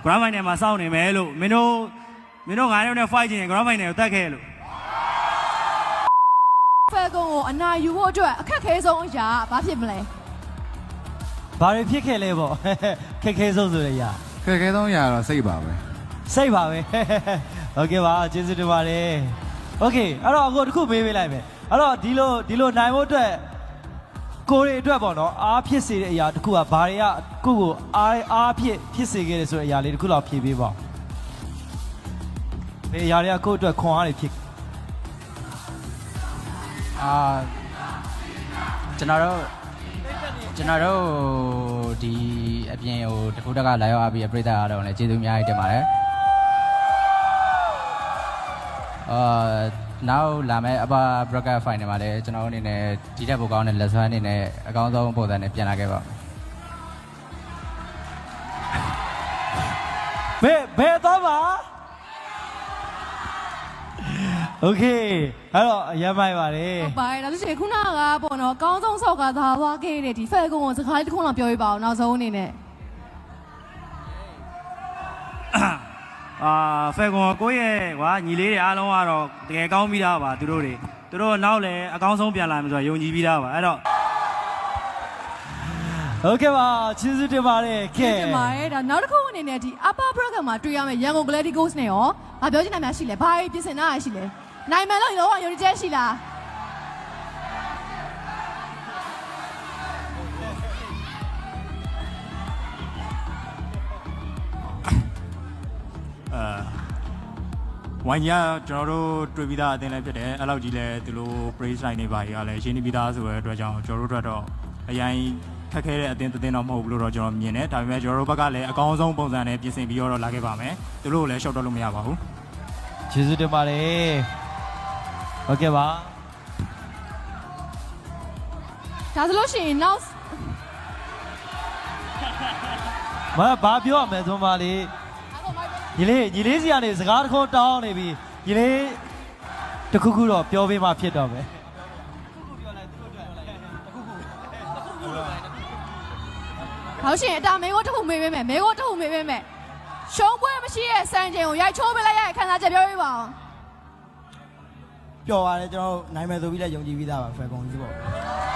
grand final မှာစောင့်နေမယ်လို့မင်းတို့9ရောက်နဲ့ fight ချင် grand final ကိုတက်ခဲ့လို့ Falcon ကိုအနာယူဖို့အတွက်အခက်ခဲဆုံးအရာဘာဖြစ်မလဲဘာတွေဖြစ်ခဲ့လဲပေါ့ခက်ခဲဆုံးဆိုရရခက်ခဲဆုံးရတော့စိတ်ပါပဲစိတ်ပါပဲโอเคပါကျေးဇူးတင်ပါတယ်โอเคအဲ့တော့အခုတစ်ခုမေးပေးလိုက်မယ်အဲ့တော့ဒီလိုနိုင်ဖို့အတွက်ကိုရီအတွက်ပေါ့နော်အားဖြစ်စေတဲ့အရာတစ်ခုကဘာတွေကကိုကိုအားဖြစ်စေခဲ့တယ်ဆိုတဲ့အရာလေးတစ်ခုလောက်ဖြေပေးပါဘယ်အရာတွေကကိုအတွက်ခွန်အားတွေဖြစ်ကျွန်တော်တို့ဒီအပြင်ဟိုတခုတက်ကလာရောက်အားပြီးပြိတ္တာအားလုံးလည်းကျေးဇူးအများကြီးတင်ပါတယ်နောက်လာမယ့်အပါ broadcast final မှာလည်းကျွန်တော်အနေနဲ့ဒီတက်ပိုကောင်းတဲ့လက်စွမ်းအနေနဲ့အကောင်းဆုံးပုံစံနဲ့ပြန်လာခဲ့ပါဘယ်တော့ပါโอเคအဲ့တော့ရမ်းမိုက်ပါတယ်ဟုတ်ပါတယ်ဒါဆိုရင်ခုနကပေါ့နော်အကောင်းဆုံးဆောက်ကသာသွားခဲ့တဲ့ဒီ Falcon ကိုစကားတစ်ခုလောက်ပြောပြပါအောင်နောက်ဆုံးအနေနဲ့ Falcon ကိုယ့်ရဲ့ကွာညီလေးတွေအားလုံးကတော့တကယ်ကောင်းပြီးသားပါသူတို့နောက်လည်းအကောင်းဆုံးပြန်လာမယ်ဆိုတော့ယုံကြည်ပြီးသားပါအဲ့တော့โอเคပါကျေးဇူးတင်ပါတယ်ကဲတင်ပါတယ်ဒါနောက်တစ်ခုအနေနဲ့ဒီ upper bracket မှာတွေ့ရမယ့်ရန်ကုန် Gladiators နဲ့ရောဘာပြောချင်တာများရှိလဲဘာပြင်ဆင်တာရှိလဲနိုင်မယ်လို့ရောယုံကြည်ချက်ရှိလားဝိုင်းကြီးကကျွန်တော်တို့တွေ့ပြီးသားအသင်းလည်းဖြစ်တယ်အဲ့လောက်ကြီးလည်းသူတို့ praise line တွေပါကြီးကလည်းရှင်းနေပြီးသားဆိုတဲ့အတွက်ကြောင့်ကျွန်တော်တို့အတွက်တော့အရင်ခက်ခဲတဲ့အသင်းတစ်သင်းတော့မဟုတ်ဘူးလို့တော့ကျွန်တော်မြင်တယ်ဒါပေမဲ့ကျွန်တော်တို့ဘက်ကလည်းအကောင်းဆုံးပုံစံနဲ့ပြင်ဆင်ပြီးတော့လာခဲ့ပါမယ်သူတို့ကိုလည်းရှော့တော့လို့မရပါဘူးကျေးဇူးတင်ပါတယ်โอเคပါဒါဆိုလို့ရှိရင်နောက်ဘာပြောရမလဲသွန်ပါလေညီလေးစီကနေစကားတစ်ခုတောင်းနေပြီညီလေးတခုခုတော့ပြောပေးမှဖြစ်တော့မယ်ဟောရှင်အတာမေကိုတစ်ခုမေးပေးမယ်မေကိုတစ်ခုမေးပေးမယ်ရှုံးပွဲမရှိရဲ့စံချိန်ကိုရိုက်ချိုးပေးလိုက်ရတဲ့ခန်းစားချက်ပြောပြပါအောင်ပျော်ပါတယ်ကျွန်တော်နိုင်မယ်ဆိုပြီးလည်းယုံကြည်ပြီးသားပါ Falcon ကြီးပေါ့